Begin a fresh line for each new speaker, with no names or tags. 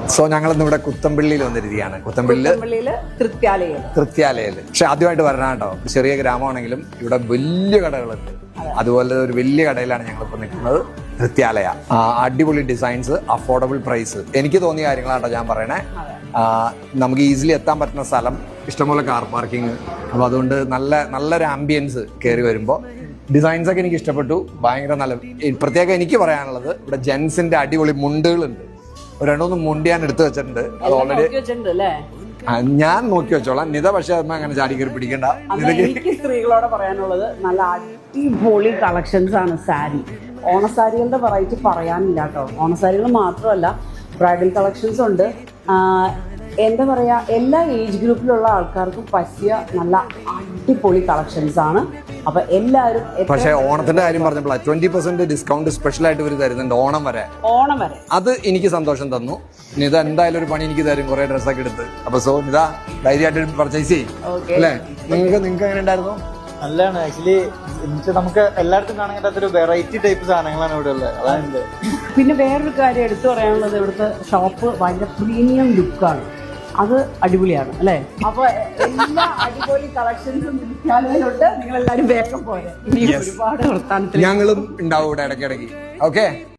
So ഞങ്ങൾ ഇന്ന് ഇവിടെ കുത്തമ്പള്ളിയിൽ വന്നിരിക്കുകയാണ്. കുത്തമ്പള്ളിയില് തൃത്യാലയില്. പക്ഷെ ആദ്യമായിട്ട് വരണം കേട്ടോ. ചെറിയ ഗ്രാമമാണെങ്കിലും ഇവിടെ വലിയ കടകളുണ്ട്. അതുപോലെ ഒരു വലിയ കടയിലാണ് ഞങ്ങളിപ്പോൾ നിൽക്കുന്നത്, തൃത്യാലയ. അടിപൊളി ഡിസൈൻസ്, അഫോർഡബിൾ പ്രൈസ്. എനിക്ക് തോന്നിയ കാര്യങ്ങളാട്ടോ ഞാൻ പറയണേ. നമുക്ക് ഈസിലി എത്താൻ പറ്റുന്ന സ്ഥലം, ഇഷ്ടംപോലെ കാർ പാർക്കിംഗ്. അപ്പോൾ അതുകൊണ്ട് നല്ലൊരു ആംബിയൻസ് കയറി വരുമ്പോൾ. ഡിസൈൻസ് ഒക്കെ എനിക്ക് ഇഷ്ടപ്പെട്ടു, ഭയങ്കര നല്ല. പ്രത്യേകം എനിക്ക് പറയാനുള്ളത്, ഇവിടെ ജെൻസിന്റെ അടിപൊളി മുണ്ടുകളുണ്ട്. ഒരു രണ്ടൊന്ന് മുണ്ട് ഞാൻ എടുത്തു വെച്ചിട്ടുണ്ട്. അത് ഓൾറെഡി ഞാൻ നോക്കി വെച്ചോളാം. നിത പക്ഷെ അമ്മ അങ്ങനെ ചാടി കയറി പിടിക്കണ്ട.
എനിക്ക് സ്ത്രീകളോട് പറയാനുള്ളത്, നല്ല അടിപൊളി കളക്ഷൻസ് ആണ് സാരി. ഓണസാരികളുടെ വെറൈറ്റി പറയാനില്ല കേട്ടോ. ഓണസാരികൾ മാത്രമല്ല, ബ്രൈഡൽ കളക്ഷൻസ് ഉണ്ട്. എന്താ പറയാ, എല്ലാ ഏജ് ഗ്രൂപ്പിലുള്ള ആൾക്കാർക്കും പറ്റിയ നല്ല അടിപൊളി കളക്ഷൻസ് ആണ്. അപ്പൊ എല്ലാവരും.
പക്ഷേ ഓണത്തിന്റെ കാര്യം പറഞ്ഞപ്പോൾ 20% ഡിസ്കൗണ്ട് സ്പെഷ്യൽ ആയിട്ട് ഇവർ തരുന്നുണ്ട് ഓണം വരെ. അത് എനിക്ക് സന്തോഷം തന്നു. നിത എന്തായാലും ഒരു പണി എനിക്ക് തരും, കുറെ ഡ്രസ്സൊക്കെ എടുത്ത്. അപ്പൊ സോ നിത ധൈര്യമായിട്ട് പർച്ചേസ് ചെയ്യും അല്ലേ? നിങ്ങൾക്ക് എങ്ങനെ ഉണ്ടായിരുന്നു?
നല്ലതാണ് ആക്ച്വലി. നമുക്ക് എല്ലായിടത്തും കാണാൻ പറ്റാത്തൊരു വെറൈറ്റി ടൈപ്പ് സാധനങ്ങളാണ് ഇവിടെ ഉള്ളത്. അതാണ്.
പിന്നെ വേറൊരു കാര്യം എടുത്തു പറയാനുള്ളത്, ഇവിടുത്തെ ഷോപ്പ് ഭയങ്കര പ്രീമിയം ലുക്കാണ്. അത് അടിപൊളിയാണ് അല്ലേ? അപ്പൊ എല്ലാ അടിപൊളി കളക്ഷൻസും വിൽക്കാനുണ്ട്. നിങ്ങൾ എല്ലാവരും വേഗം പോലെ. ഇനി ഒരുപാട് വർത്താനത്തിൽ
ഞങ്ങളും ഉണ്ടാവും ഇവിടെ ഇടയ്ക്കിടയ്ക്ക്. ഓക്കെ.